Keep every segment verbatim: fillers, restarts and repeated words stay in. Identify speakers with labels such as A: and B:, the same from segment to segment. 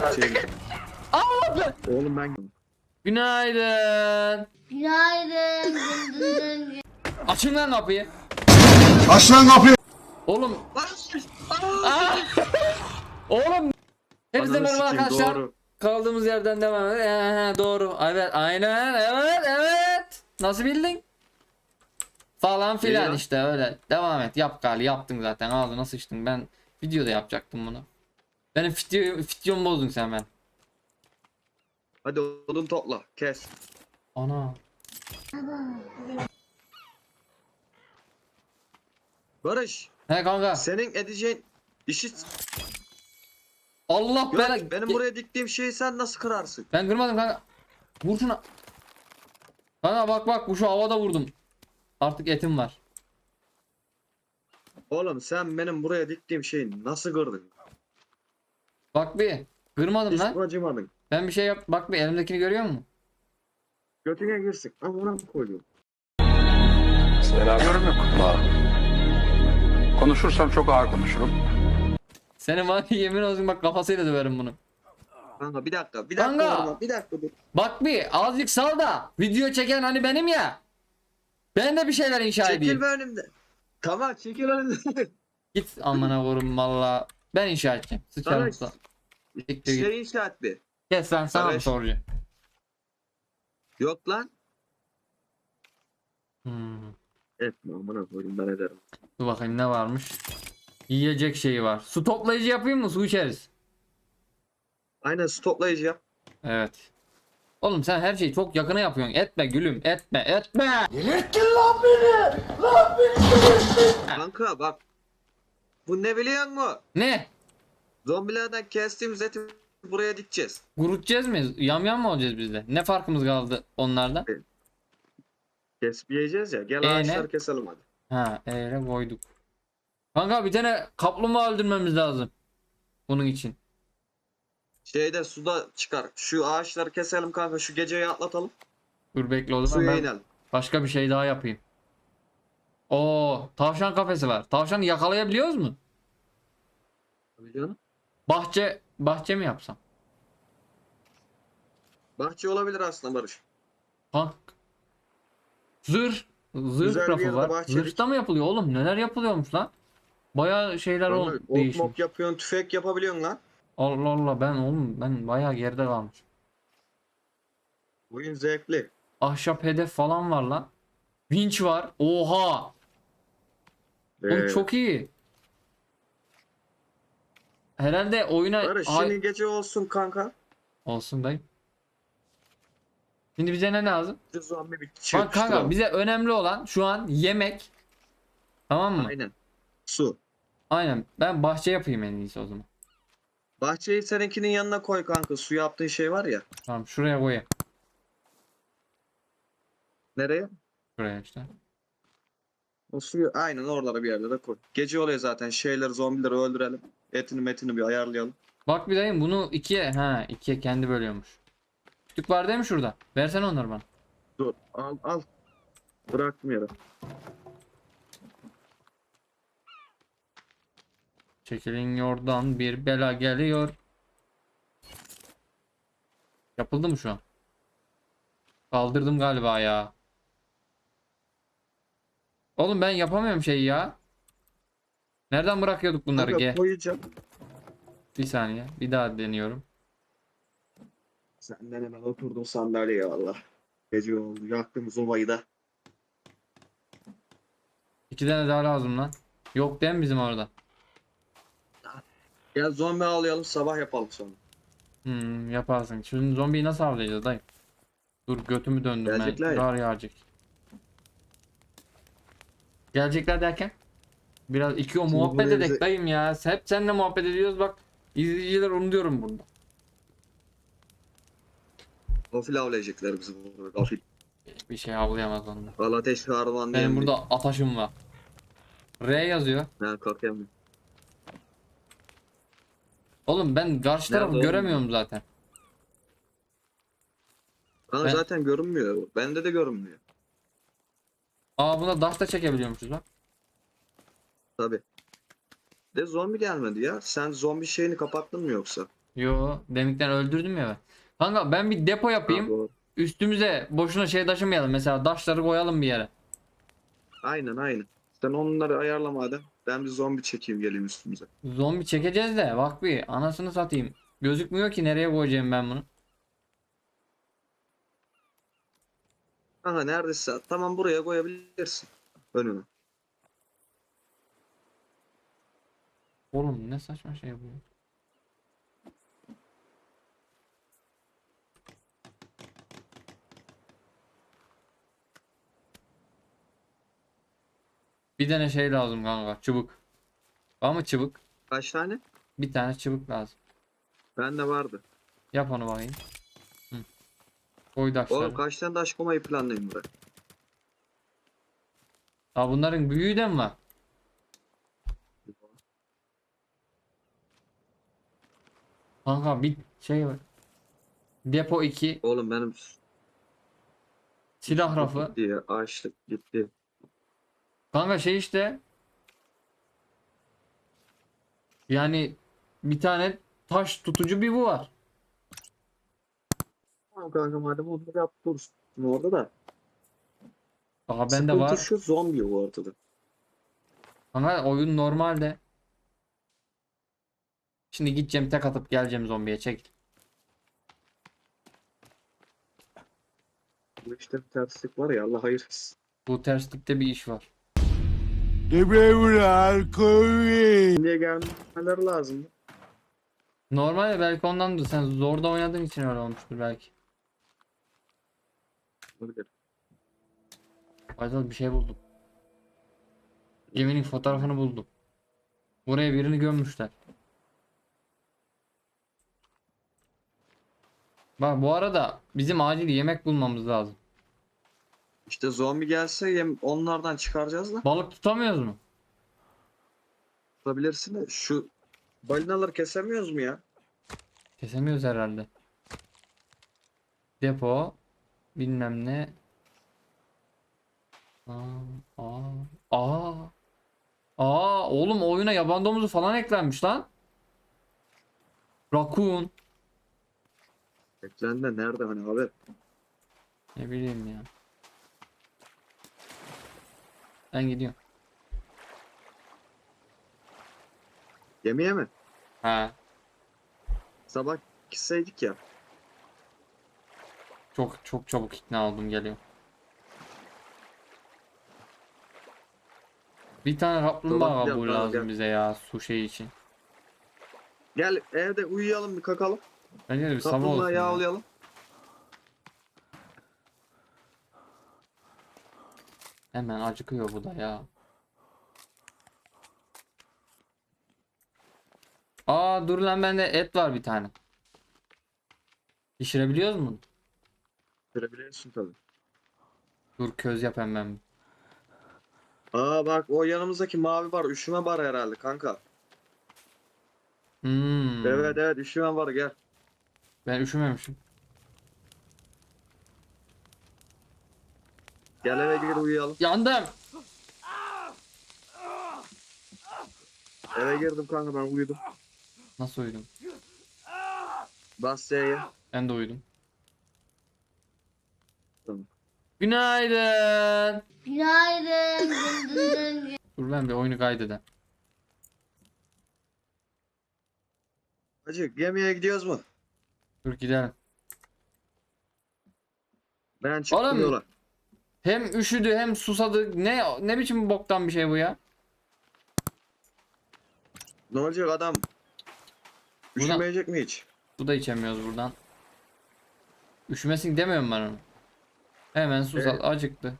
A: Şey,
B: Allah!
A: oğlum ben
B: Günaydın.
C: Günaydın. Dın dın dın.
B: Açın lan kapıyı.
D: Aç lan kapıyı.
B: Oğlum. Aa! Oğlum. Hepinize
A: Ananı
B: merhaba
A: sikeyim,
B: arkadaşlar.
A: doğru.
B: Kaldığımız yerden devam edelim. Ee, doğru. Evet, aynen. Evet, evet. Nasıl bildin? Falan filan
A: ya?
B: işte öyle. Devam et. Yap gali. Yaptın zaten. Ağzına sıçtın. Ben videoda yapacaktım bunu. Benim video, videomu bozdun sen ben.
A: Hadi odun topla. Kes.
B: Ana.
A: Barış.
B: He kanka.
A: Senin edeceğin işi...
B: Allah
A: Yok,
B: bela.
A: benim buraya diktiğim şeyi sen nasıl kırarsın?
B: Ben kırmadım kanka. Vur şuna. Kanka bak bak bu şu havada vurdum. Artık etim var.
A: Oğlum sen benim buraya diktiğim şeyi nasıl kırdın?
B: Bak bir. Kırmadım
A: Hiç
B: lan.
A: acımadın.
B: Ben bir şey yap. Bak bir elimdekini görüyor musun?
A: Götüne girsin. Amına koyuyorum.
D: Yorum yok. Konuşursam çok ağır konuşurum.
B: Senin var ya, yemin olsun bak kafasıyla döverim bunu.
A: Kanka bir dakika. Bir dakika.
B: Kanka.
A: Orman, bir dakika dur.
B: Bak bir azıcık sal da. Video çeken hani benim ya. Ben de bir şeyler inşa edeyim.
A: Çekil be önümde. Tamam çekil önümde.
B: Git amına koyayım valla. Ben inşa edeceğim. Sıçarım
A: Barış.
B: sana. Siktir git.
A: Şey inşa et bir.
B: Kes lan sana mı
A: Barış.
B: soracağım?
A: Yok lan.
B: Hmm.
A: Etme amına koyayım ben ederim.
B: Dur bakayım ne varmış. Yiyecek şeyi var. Su toplayıcı yapayım mı? Su içeriz.
A: Aynen stoplayıcı yap.
B: Evet. Oğlum sen her şeyi çok yakına yapıyorsun. Etme gülüm. Etme. Etme.
A: Kanka bak. Bu ne biliyor musun?
B: Ne?
A: Zombilerden kestiğimiz eti buraya dikeceğiz.
B: Kurutacağız mıyız? Yamyam mı olacağız biz de? Ne farkımız kaldı onlardan?
A: Kesip yiyeceğiz ya. Gel
B: Ee,
A: ağaçları
B: ne?
A: keselim hadi.
B: Ha, eğre koyduk. Kanka bir tane kaplumbağa öldürmemiz lazım. Bunun için.
A: Şeyde suda çıkar. Şu ağaçları keselim kanka. Şu geceyi atlatalım.
B: Dur bekle o zaman
A: Suya
B: ben
A: inelim.
B: başka bir şey daha yapayım. Oo, tavşan kafesi var. Tavşanı yakalayabiliyoruz mu?
A: Tabii canım.
B: Bahçe bahçe mi yapsam?
A: Bahçe olabilir aslında Barış.
B: Tank. Zırh. Zırh
A: Güzel bir
B: rafı
A: yerde
B: var.
A: bahçelik.
B: Zırhta mı yapılıyor oğlum? Neler yapılıyormuş lan? Bayağı şeyler ol
A: Kanka, ok
B: değişmiş.
A: mok yapıyorsun. Tüfek yapabiliyorsun lan.
B: Allah Allah ben oğlum ben bayağı geride kalmış.
A: Oyun zevkli.
B: Ahşap hedef falan var lan. Vinç var. Oha. Oğlum
A: Ee,
B: çok iyi. Herhalde oyuna
A: Barış
B: Ay-
A: şimdi gece olsun kanka.
B: olsun dayı. Şimdi bize ne lazım?
A: Şu zombi bir çiğ
B: Bak kanka bize önemli olan şu an yemek. Tamam mı?
A: Aynen. Su.
B: Aynen. Ben bahçe yapayım en iyisi o zaman.
A: Bahçeyi seninkinin yanına koy kanka. Su yaptığın şey var ya.
B: Tamam şuraya koyayım.
A: Nereye?
B: Şuraya işte.
A: O suyu aynen oralara bir yerde de koy. Gece oluyor zaten. Şeyleri zombileri öldürelim. Etini metini bir ayarlayalım.
B: Bak bir dayım bunu ikiye ha ikiye kendi bölüyormuş. Kütük var değil mi şurada? Versene onları bana.
A: Dur al al. Bıraktım yere.
B: Çekilin yordan bir bela geliyor. Yapıldı mı şu an? Kaldırdım galiba ya. Oğlum ben yapamıyorum şeyi ya. Nereden bırakıyorduk bunları?
A: Kanka
B: Gel.
A: koyacağım.
B: Bir saniye. Bir daha deniyorum.
A: Senden hemen oturdum sandalyeye valla. Gece oldu. Yaktım zobayı da.
B: İki tane daha lazım lan. Yok değil mi bizim orada?
A: Gel zombi avlayalım sabah yapalım sonra.
B: Hmm, yaparsın. Şimdi zombiyi nasıl avlayacağız dayı? Dur götümü döndüm
A: Gelecekler
B: ben.
A: ya.
B: Kar yağacak. Gelecekler derken? Biraz iki o
A: Şimdi
B: muhabbet
A: buraya
B: edek
A: bize-
B: dayım ya. Hep seninle muhabbet ediyoruz bak. İzleyiciler onu diyorum burada.
A: Gafil avlayacaklar bizi burada. Gafil.
B: Bir şey avlayamaz onlar.
A: Al ateş harman diye.
B: Benim burada ataşım var. R yazıyor.
A: Ha kalkayım.
B: Oğlum ben karşı tarafı
A: Nerede oğlum?
B: göremiyorum zaten.
A: Kanka
B: Ben-
A: zaten görünmüyor. Bende de görünmüyor.
B: Aa buna daş da çekebiliyormuşuz bak.
A: Tabi. De zombi gelmedi ya. Sen zombi şeyini kapattın mı yoksa?
B: Yo, demikten öldürdüm ya ben. Kanka ben bir depo
A: Ha,
B: yapayım.
A: doğru.
B: Üstümüze boşuna şey taşımayalım. Mesela taşları koyalım bir yere.
A: Aynen aynen. Sen onları ayarla madem. Ben bir zombi çekeyim geleyim üstümüze.
B: Zombi çekeceğiz de bak bir anasını satayım. Gözükmüyor ki nereye koyacağım ben bunu.
A: Kanka neredeyse tamam buraya koyabilirsin. Önüne.
B: Oğlum ne saçma şey bu. Bir tane şey lazım kanka. Çubuk. Var mı çubuk?
A: Kaç tane?
B: Bir tane çubuk lazım.
A: Bende vardı.
B: Yap onu bakayım. Hı. Koy taşları.
A: Oğlum kaç tane taş koymayı planlayayım buraya.
B: Aa, bunların büyüğü de mi var? Kanka bir şey var. Depo iki.
A: Oğlum benim
B: Silah rafı.
A: gitti ya. Açlık gitti.
B: Kanka şey işte. Yani bir tane taş tutucu bir bu var.
A: Tamam kanka madem onu yap dursun. Orada da.
B: Aha bende
A: Sıkıntı
B: var.
A: şu zombi bu ortada.
B: Kanka oyun normalde. Şimdi gideceğim tek atıp geleceğim zombiye çek.
A: Bu işte bir terslik var ya Allah hayır etsin.
B: Bu terslikte bir iş var.
A: Niye gelmeleri lazım?
B: Normalde belki ondandır. Sen zorda oynadığın için öyle olmuştur belki.
A: Olabilir.
B: Faydal bir şey buldum. Geminin fotoğrafını buldum. Buraya birini gömmüşler. Bak bu arada bizim acil yemek bulmamız lazım.
A: İşte zombi gelse yem onlardan çıkaracağız da.
B: Balık tutamıyoruz mu?
A: Tutabilirsin de şu balinaları kesemiyoruz mu ya?
B: Kesemiyoruz herhalde. Depo bilmem ne. Aa, aa, aa. Aa, oğlum oyuna yaban domuzu falan eklenmiş lan. Raccoon.
A: Eklendi de nerede hani haber?
B: Ne bileyim ya. Ben gidiyorum.
A: Gemiye mi?
B: Ha.
A: Sabah gitseydik ya.
B: Çok çok çabuk ikna oldum geliyor. Bir tane kaplumbağa
A: Dolap
B: kabuğu
A: yapalım,
B: lazım
A: gel.
B: bize ya su şeyi için.
A: Gel evde uyuyalım bir kakalım.
B: Bence de bir sabah olsun
A: Kaplumbağa
B: ya.
A: yağlayalım.
B: Hemen acıkıyor bu da ya. Aa dur lan bende et var bir tane. Pişirebiliyoruz mu?
A: Görebiliyorsun tabii.
B: Dur köz yap hemen.
A: Aa bak o yanımızdaki mavi bar üşüme bar herhalde kanka.
B: Hmm.
A: Evet evet üşüme var gel.
B: Ben üşümemişim.
A: Gel eve gir uyuyalım.
B: Yandım.
A: Eve girdim kanka ben uyudum.
B: Nasıl uyudum?
A: Bas S'ye.
B: Ben de uyudum.
A: Tamam.
B: Günaydın.
C: Günaydın. Dın dın dın dın.
B: Dur ben bir oyunu kaydedeyim.
A: Hacı gemiye gidiyoruz mu?
B: Dur gidelim.
A: Ben çıktım
B: Oğlum.
A: yola.
B: Hem üşüdü hem susadı. Ne ne biçim boktan bir şey bu ya?
A: Ne olacak adam?
B: Buna-
A: Üşümeyecek mi hiç?
B: Su da içemiyoruz buradan. Üşümesin demiyorum ben onu. Hemen susadı,
A: Evet.
B: acıktı.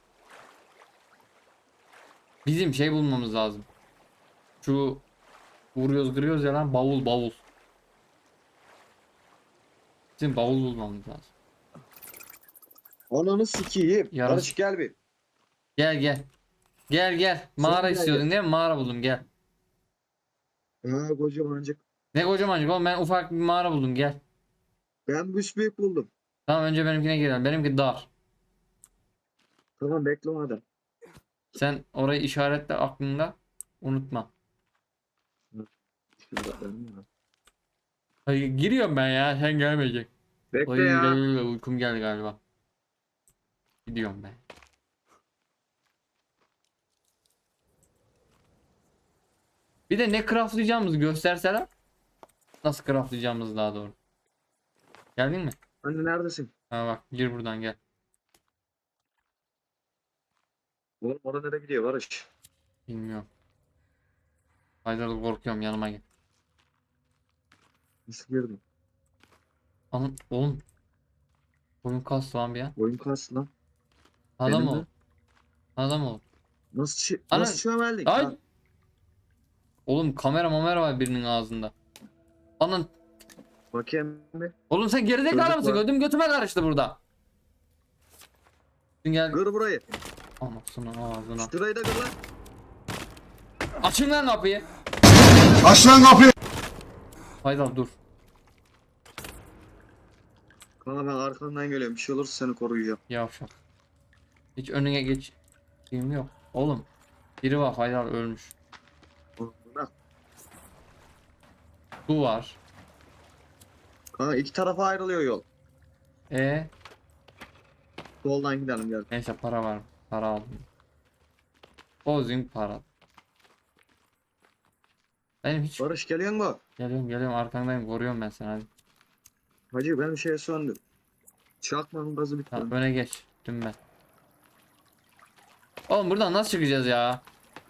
B: Bizim şey bulmamız lazım. Şu vuruyoruz kırıyoruz ya lan bavul bavul. Bizim bavul bulmamız lazım.
A: Ananı sikeyim.
B: Yarın-
A: Barış gel bir.
B: Gel gel. Gel gel. Mağara
A: gel,
B: istiyordun
A: gel.
B: değil mi? Mağara buldum gel.
A: Ha kocamancık.
B: Ne kocaman oğlum ben ufak bir mağara buldum gel.
A: Ben büyük buldum.
B: Tamam önce benimkine girelim. Benimki dar.
A: Tamam bekle madem.
B: Sen orayı işaretle aklında. Unutma.
A: Şurada ben mi?
B: Hayır, giriyorum ben ya, sen gelmeyecek.
A: Bekle
B: Oy,
A: ya.
B: gel, gel, gel, uykum geldi galiba. Gidiyorum ben. Bir de ne craftlayacağımızı gösterseler. Nasıl craftlayacağımızı daha doğru. Geldin mi?
A: Anne neredesin?
B: Ha bak, gir buradan gel.
A: Oğlum orada nereye gidiyor Barış?
B: Bilmiyorum. Haydar'da korkuyorum, yanıma gel.
A: Nasıl girdin?
B: Anam oğlum. Oyun kastı lan bir ya.
A: Oyun kastı lan.
B: Adam
A: Benim
B: ol.
A: de.
B: Adam ol.
A: Nasıl çi
B: Ana-
A: nasıl çömeldik?
B: Ay.
A: Lan?
B: Oğlum kamera mamera var birinin ağzında. Anan.
A: Bakayım bir.
B: Oğlum sen gerizekalı
A: Çocuk
B: mısın?
A: var.
B: Ödüm götüme karıştı burada. Sen gel.
A: Kır burayı.
B: Anasını ağzına.
A: Şurayı da kır lan.
B: Açın lan kapıyı.
D: Aç lan kapıyı.
B: Haydar dur.
A: Kanka ben arkandan geliyorum. Bir şey olursa seni koruyacağım.
B: Yavşak. Hiç önüne geç. Şeyim yok. Oğlum. Biri var, Haydar ölmüş.
A: Bırak.
B: Bu var.
A: Kanka iki tarafa ayrılıyor yol.
B: E
A: Soldan gidelim gel.
B: neyse, para var. Para aldım. Bozing para. Benim hiç
A: Barış geliyor mu?
B: geliyorum geliyorum arkandayım, koruyorum ben seni hadi.
A: Hacı benim şeye söndü. Çakmanın gazı bitti.
B: Tamam, öne geç. Dün ben. Oğlum buradan nasıl çıkacağız ya?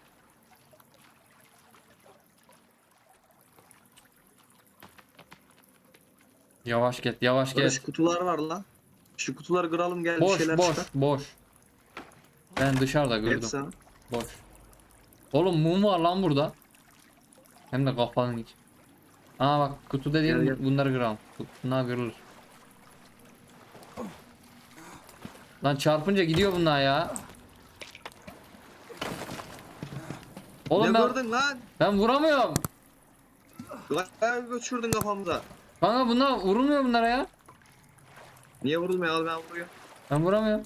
B: Yavaş git, yavaş
A: Barış
B: git.
A: kutular var lan. Şu kutuları kıralım gel bir
B: Boş,
A: şeyler
B: boş,
A: çıkar.
B: boş. Ben dışarıda
A: Hep
B: gördüm.
A: sana.
B: Boş. Oğlum mum var lan burada. Hem de kafanın içi. Aa bak, kutu dediğin
A: Gel, gel.
B: bunları kıralım. Bunlar kırılır. Lan çarpınca gidiyor bunlar ya. Oğlum
A: Ne
B: ben,
A: gördün lan?
B: ben vuramıyorum.
A: Bayağı göçürdün kafamıza.
B: Kanka bunlar vurulmuyor bunlara ya.
A: Niye vurulmuyor al ben vuruyor.
B: Ben vuramıyorum.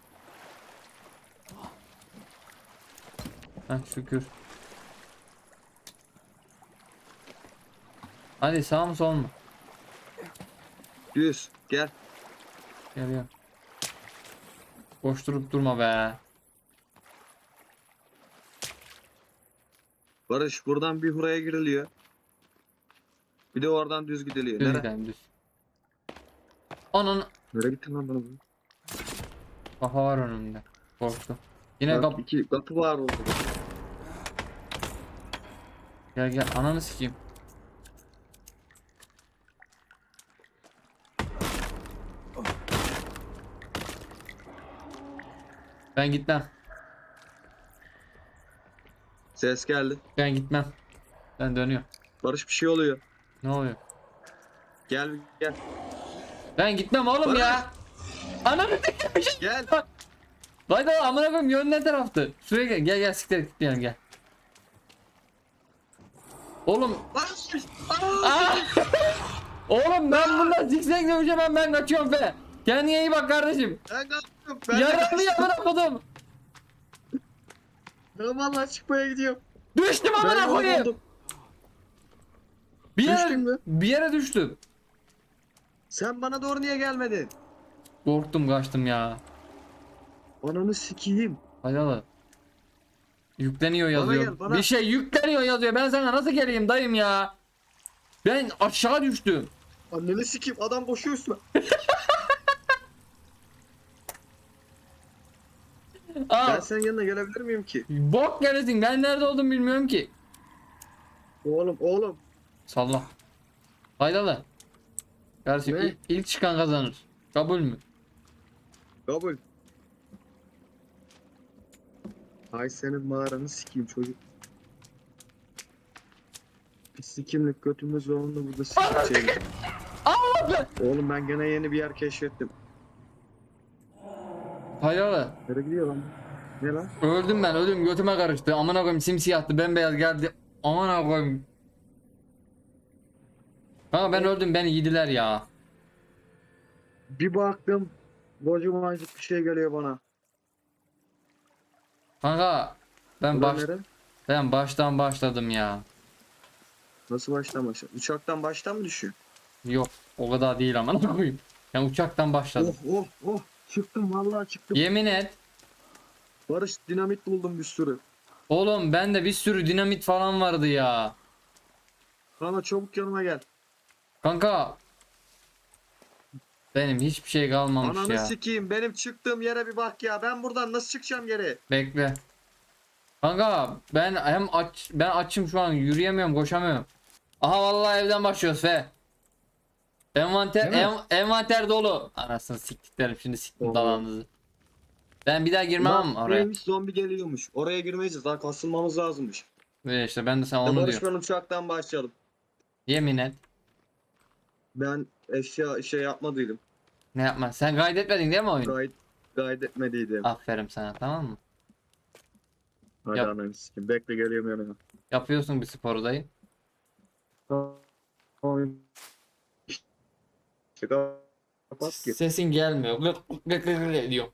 B: Heh, şükür. Hadi, sağ mı sol mu?
A: Düz gel.
B: Geliyor. Boş durup durma be.
A: Barış buradan bir buraya giriliyor. Bir de oradan düz gidiliyor.
B: Düz
A: Nereye?
B: gidelim, düz. Onun
A: Nereye gittin lan bana?
B: kafa var önümde. Korktu. Yine
A: Bak,
B: kap.
A: iki kapı var orada.
B: Gel gel, ananı sikeyim. Ben gitmem.
A: Ses geldi.
B: Ben gitmem. Ben dönüyorum.
A: Barış bir şey oluyor.
B: Ne oluyor?
A: Gel gel.
B: Ben gitmem oğlum
A: Barış.
B: ya. Ananı sikeyim.
A: Gel.
B: Haydi amına koyayım, yön ne taraftı? Şuraya gel, gel gel siktir git yani, gel. Oğlum,
A: Barış.
B: aa! Oğlum ben bundan zikzak döveceğim, ben ben kaçıyorum be. Kendine iyi bak kardeşim.
A: Ben kalktım. Ben de
B: Yaralı
A: kaçtım.
B: amına kodum.
A: Ben vallahi çıkmaya gidiyorum.
B: Düştüm
A: Ben
B: amına
A: yol
B: koyayım.
A: buldum.
B: Bir yere,
A: Düştün mü?
B: bir yere düştüm.
A: Sen bana doğru niye gelmedin?
B: Korktum, kaçtım ya.
A: Ananı sikeyim.
B: Haydalı. Yükleniyor yazıyor.
A: gel, bana.
B: Bir şey yükleniyor yazıyor. Ben sana nasıl geleyim dayım ya? Ben aşağı düştüm.
A: Anneni sikeyim. Adam koşuyor üstüme.
B: Aa,
A: Ben senin yanına gelebilir miyim ki?
B: bok gelesin. Ben nerede olduğumu bilmiyorum ki.
A: Oğlum oğlum.
B: Salla. Haydalı. Kardeşim,
A: Ne?
B: il- ilk çıkan kazanır. Kabul mü?
A: Kabul. Ay senin mağaranı sikeyim çocuk. Biz sikimlik götümüz zorunda burada sikeceğiz.
B: Allah be!
A: Oğlum ben gene yeni bir yer keşfettim.
B: Haydalı.
A: Nereye gidiyor lan? bu? Ne lan?
B: Öldüm ben, öldüm, götüme karıştı. Amına koyayım, simsiyahtı, bembeyaz geldi. Amına koyayım. Kanka ben öldüm, beni yediler ya.
A: Bir baktım. Kocamanacık bir şey geliyor bana.
B: Kanka ben
A: Ulan
B: baş
A: nere?
B: ben baştan başladım ya.
A: Nasıl baştan başla? Uçaktan baştan mı düşüyor?
B: Yok o kadar değil ama ne koyayım. Ben uçaktan başladım.
A: Oh oh oh. Çıktım vallahi çıktım.
B: Yemin et.
A: Barış dinamit buldum bir sürü.
B: Oğlum bende bir sürü dinamit falan vardı ya.
A: Kana çabuk yanıma gel.
B: Kanka. Benim hiçbir şey kalmamış
A: Ananı
B: ya.
A: sikeyim. Benim çıktığım yere bir bak ya. Ben buradan nasıl çıkacağım geri?
B: Bekle. Kanka ben hem aç ben açım şu an yürüyemiyorum koşamıyorum. Aha vallahi evden başlıyoruz fe. Envanter
A: Değil mi?
B: en, envanter dolu. Anasını siktiklerim şimdi siktim
A: Oo.
B: dalanınızı. Ben bir daha girmem
A: Bak,
B: ama oraya.
A: buraymış, zombi geliyormuş. Oraya girmeyeceğiz. Daha kasılmamız lazımmış.
B: Ve işte ben de sana
A: Ya
B: onu
A: Barış
B: diyorum.
A: ben uçaktan başlayalım.
B: Yemin et.
A: Ben eşya şey yapmadıydım.
B: Ne yapma? Sen kaydetmedin değil mi oyunu?
A: Gayet kaydetmediydim.
B: Aferin sana tamam mı?
A: Hadi
B: yap.
A: ananı sikeyim. Bekle geliyorum yanına.
B: Yapıyorsun bir sporu dayı.
A: Kapat ki.
B: Sesin gelmiyor. Gık gık gık gık gık ediyor.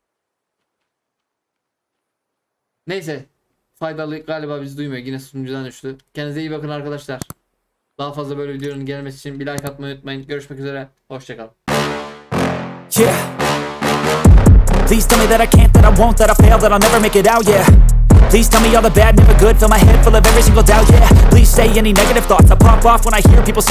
B: Neyse. Faydalı galiba bizi duymuyor. Yine sunucudan düştü. Kendinize iyi bakın arkadaşlar. Daha fazla böyle videonun gelmesi için bir like atmayı unutmayın. Görüşmek üzere. Hoşçakalın.
E: Yeah. Please tell me that I can't, that I won't, that I fail, that I'll never make it out, yeah. Please tell me all the bad, never good, fill my head full of every single doubt, yeah. Please say any negative thoughts, I pop off when I hear people say